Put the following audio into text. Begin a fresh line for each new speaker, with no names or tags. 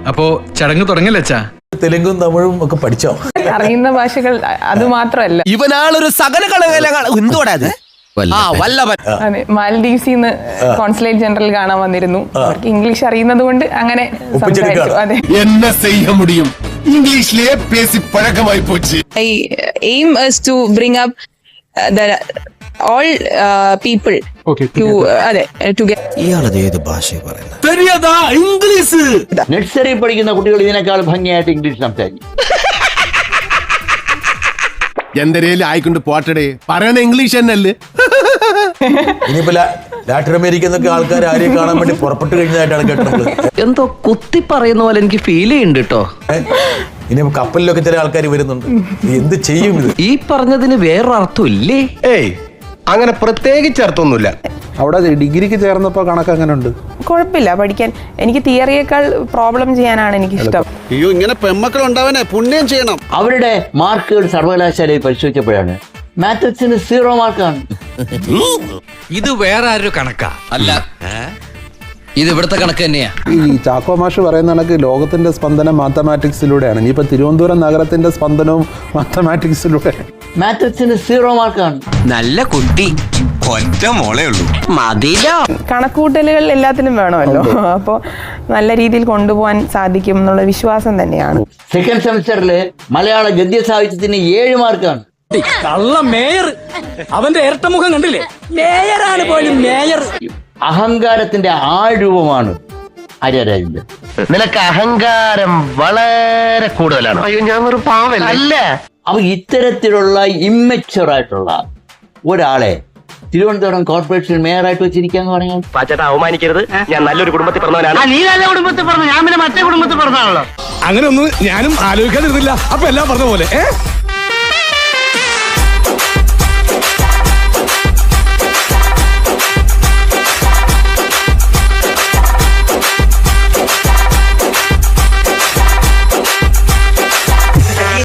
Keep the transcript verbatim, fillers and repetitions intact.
അപ്പോ ചടങ്ങ് തുടങ്ങലച്ചാ?
തെലുങ്കും തമിഴും ഒക്കെ പഠിച്ചോ?
അറിയുന്ന ഭാഷകൾ അത് മാത്രമല്ല.
ഇവനാളൊരു സകല എന്തോടാ അത്?
അതെ, മാലദ്വീപ്സിന്ന് കോൺസുലേറ്റ് ജനറൽ കാണാൻ വന്നിരുന്നു. അവർക്ക് ഇംഗ്ലീഷ് അറിയുന്നത് കൊണ്ട് അങ്ങനെ സംസാരിച്ചു. അതെ,
என்ன செய்ய முடியும், இங்கிலீஷ்லயே பேசி பழக்கமாய் போச்சு.
I aim is to bring up uh, the all uh, people
Okay,
to uh, അതെ to get.
ഇയാളത് ഏത് ഭാഷ പറയുന്നത്?
தெரியாதா இங்கிலீஷ்?
നഴ്സറി പഠിക്കുന്ന കുട്ടികൾ ഇതിനേക്കാൾ ഭംഗിയായിട്ട് ഇംഗ്ലീഷ് സംസാരിക്കും.
എന്തരേലും ആയിക്കൊണ്ട് പോട്ടടേ, പറയണ ഇംഗ്ലീഷ് തന്നെയല്ലേ?
ഇനിയിപ്പോ ലാറ്റിൻ അമേരിക്കന്നൊക്കെ ആൾക്കാർ ആരെയും കാണാൻ വേണ്ടി പുറപ്പെട്ടു കഴിഞ്ഞതായിട്ടാണ് കേട്ടത്.
എന്തോ കുത്തി പറയുന്ന പോലെ എനിക്ക് ഫീൽ ചെയ്യുന്നുണ്ട് കേട്ടോ.
ഇനി കപ്പലിലൊക്കെ ചില ആൾക്കാർ വരുന്നുണ്ട്. എന്ത് ചെയ്യും ഇത്?
ഈ പറഞ്ഞതിന് വേറൊരർത്ഥം ഇല്ലേ?
ഏയ്, അങ്ങനെ പ്രത്യേകിച്ച് അർത്ഥമൊന്നുമില്ല.
അവിടെ ഡിഗ്രിക്ക് ചേർന്നപ്പോ കണക്ക് അങ്ങനെ ഉണ്ട്.
കുഴപ്പമില്ല പഠിക്കാൻ. എനിക്ക് തിയറിയേക്കാൾ പ്രോബ്ലം ചെയ്യാനാണ് എനിക്ക് ഇഷ്ടം.
അയ്യോ, ഇങ്ങനെ പെമ്മക്കൾ ഉണ്ടാവനെ പുണ്യം ചെയ്യണം.
അവരുടെ മാർക്കുകൾ സർവകലാശാലയിൽ പരിശോധിച്ചപ്പോഴാണ് മാത്തസിന് സീറോ മാർക്കാണ്.
ഇത് വേറെ ആരൊരു കണക്കാ അല്ല, ഇത് ഇവിടുത്തെ കണക്ക് തന്നെയാ.
ഈ ചാക്കോ മാഷ് പറയുന്ന കണക്ക് ലോകത്തിന്റെ സ്പന്ദനം മാത്തമാറ്റിക്സിലൂടെയാണ്. ഇനിയിപ്പോ തിരുവനന്തപുരം നഗരത്തിന്റെ സ്പന്ദനവും മാത്തമാറ്റിക്സിലൂടെ.
മാത്തസിന് സീറോ മാർക്കാണ്.
നല്ല കുട്ടി, ഒറ്റ മോളേ ഉള്ളൂ, മതിലോ.
കണക്കൂട്ടലുകൾ എല്ലാത്തിലും വേണമല്ലോ. അപ്പോൾ നല്ല രീതിയിൽ കൊണ്ടുപോകാൻ സാധിക്കും എന്നുള്ള വിശ്വാസം തന്നെയാണ്.
സെക്കൻഡ് സെമിസ്റ്ററിൽ മലയാള ഗദ്യ സാഹിത്യത്തിന് ഏഴ് മാർക്കാണ്.
കള്ള മേയർ, അവന്റെ ഇരട്ടമുഖം കണ്ടില്ലേ? മേയറാണ് പോലും മേയർ.
അഹങ്കാരത്തിന്റെ ആൾരൂപമാണ് ആര്യരാജന്റെ.
നിനക്ക് അഹങ്കാരം വളരെ കൂടുതലാണ്. അയ്യോ, ഞാൻ ഒരു പാവല്ല. അല്ല,
അപ്പൊ ഇത്തരത്തിലുള്ള ഇമ്മച്ചുവർ ആയിട്ടുള്ള ഒരാളെ തിരുവനന്തപുരം കോർപ്പറേഷൻ മേയറായിട്ട് വെച്ചിരിക്കാന്ന് പറഞ്ഞാൽ
പാച്ചേട്ടാ, അവമാനിക്കരുത്. ഞാൻ നല്ലൊരു കുടുംബത്തിൽ പറഞ്ഞവനാണ്. നീ നല്ല കുടുംബത്തിൽ പറഞ്ഞു, ഞാൻ പിന്നെ മറ്റേ കുടുംബത്തിൽ പറഞ്ഞാണല്ലോ.
അങ്ങനെ ഒന്നും ഞാനും ആലോചിക്കാതിരുന്നില്ല. അപ്പൊ എല്ലാം പറഞ്ഞ പോലെ.